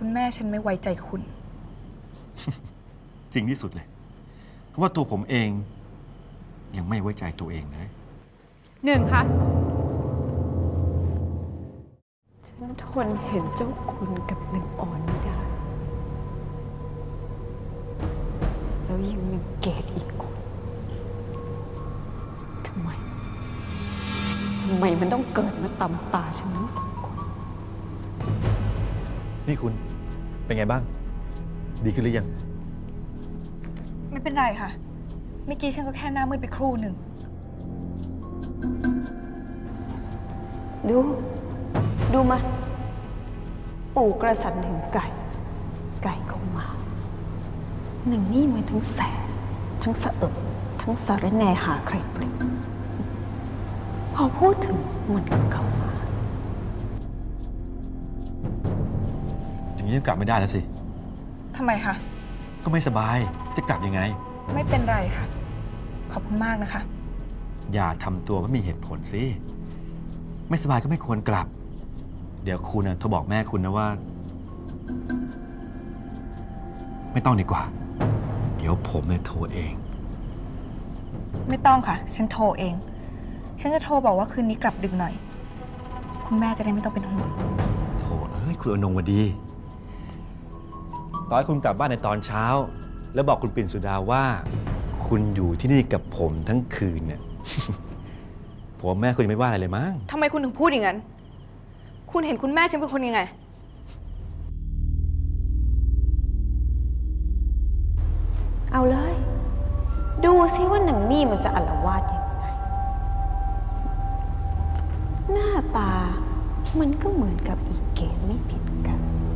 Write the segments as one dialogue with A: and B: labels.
A: คุณแม่ฉันไม่ไว้ใจคุณ
B: จริงที่สุดเลย เพราะว่าตัวผมเองยังไม่ไว้ใจตัวเองเลย
C: หนึ่งคะ
D: ฉันทนเห็นเจ้าคุณกับนางอ่อนไม่ได้ แล้วยังมีเกดอีกคนทำไมมันต้องเกิดมาตำตาฉันทั้งสองคน
B: นี่คุณเป็นไงบ้าง ดีขึ้นหรือยัง
A: ไม่เป็นไรค่ะ เมื่อกี้ฉันก็แค่หน้ามืดไปครู่หนึ่ง
D: ดูมา ปู่กระสันถึงไก่เข้ามาหนึ่งนี่มันทั้งแสบทั้งสะอึกทั้งสารแหน่หาใครเปล่งพอพูดถึงมันก็เข้ามา
B: อย่างนี้ยังกลับไม่ได้แล้วสิ
A: ทำไมคะ
B: ก็ไม่สบาย จะกลับยังไง
A: ไม่เป็นไรค่ะ ขอบคุณมากนะคะ
B: อย่าทำตัวไม่มีเหตุผลสิ ไม่สบายก็ไม่ควรกลับ เดี๋ยวคุณโทรบอกแม่คุณนะว่า ไม่ต้องดีกว่า เดี๋ยวผมโทรเอง
A: ไม่ต้องค่ะ ฉันโทรเอง ฉันจะโทรบอกว่าคืนนี้กลับดึกหน่อย คุณแม่จะได้ไม่ต้องเป็นห่วง
B: โถคุณอนงวดีตอนให้คุณกลับบ้านในตอนเช้า แล้วบอกคุณปิ่นสุดาว่า คุณอยู่ที่นี่กับผมทั้งคืนเนี่ย ผมแม่คุณยังไม่ว่าอะไรเลยมั้ง
A: ทำไมคุณถึงพูดอย่างนั้น คุณเห็นคุณแม่ฉันเป็นคนยังไง
D: เอาเลย ดูซิว่าหนังนี่มันจะอาละวาดยังไง หน้าตามันก็เหมือนกับอีเกมไม่ผิดกัน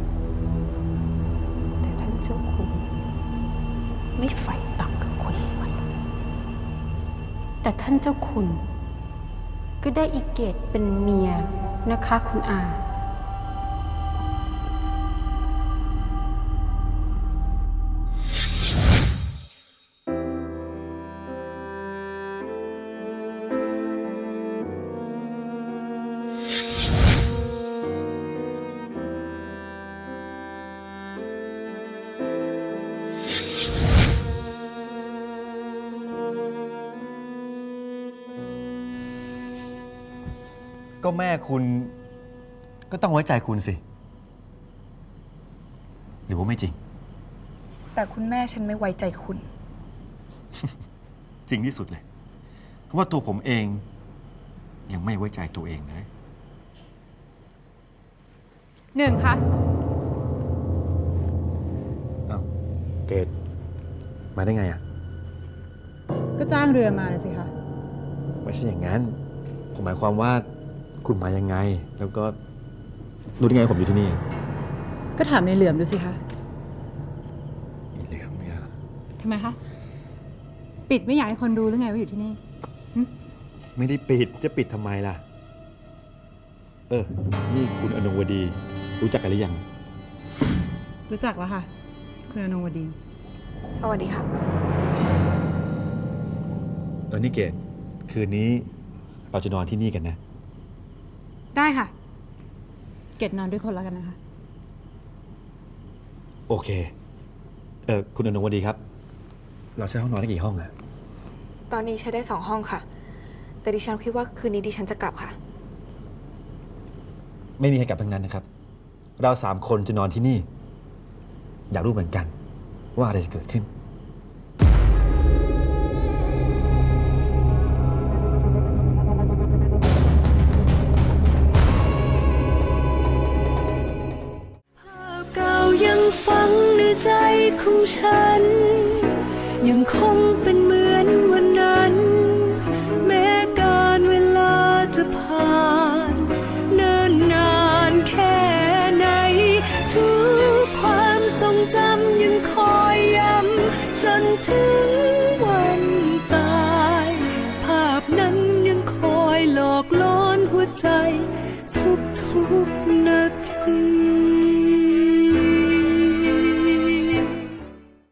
D: แต่ท่านเจ้าคุณไม่ไฟต่ำกับคนมัน
C: แต่ท่านเจ้าคุณก็ได้อีเกตเป็นเมียนะคะคุณอา
B: ก็แม่คุณก็ต้องไว้ใจคุณสิ หรือว่าไม่จริง
A: แต่คุณแม่ฉันไม่ไว้ใจคุณ
B: จริงที่สุดเลย เพราะว่าตัวผมเองยังไม่ไว้ใจตัวเองเลย
C: หนึ่งคะ
B: อ้าวเกดมาได้ไงอ่ะ
E: ก็จ้างเรือมาเลยสิคะ
B: ไม่ใช่อย่างนั้น ผมหมายความว่าคุณมายังไง แล้วก็รู้ได้ไงผมอยู่ที่นี่
E: ก็ถามในเหลือมดูสิคะ
B: อีเหลือมเนี่ย
E: ทำไมคะ ปิดไม่อยากให้คนรู้หรือไงว่าอยู่ที่นี่
B: ไม่ได้ปิด จะปิดทำไมล่ะ นี่คุณอนงวดี รู้จักกันหรือยัง
E: รู้จักแล้วค่ะ คุณอนงวดี
A: สวัสดีค่ะ
B: นี่เกดคืนนี้เราจะนอนที่นี่กันนะ
E: ได้ค่ะ เกดนอนด้วยคนแล้วกันนะคะ
B: โอเค คุณอนงวดีครับ เราใช้ห้องนอนได้กี่ห้องอะ
A: ตอนนี้ใช้ได้2 ห้องค่ะ แต่ดิฉันคิดว่าคืนนี้ดิฉันจะกลับค่ะ
B: ไม่มีใครกลับทั้งนั้นนะครับ เรา3 คนจะนอนที่นี่ อยากรู้เหมือนกัน ว่าอะไรจะเกิดขึ้น
F: ภาพเก่ายังฝังในใจของฉัน ยังคงเป็นมือ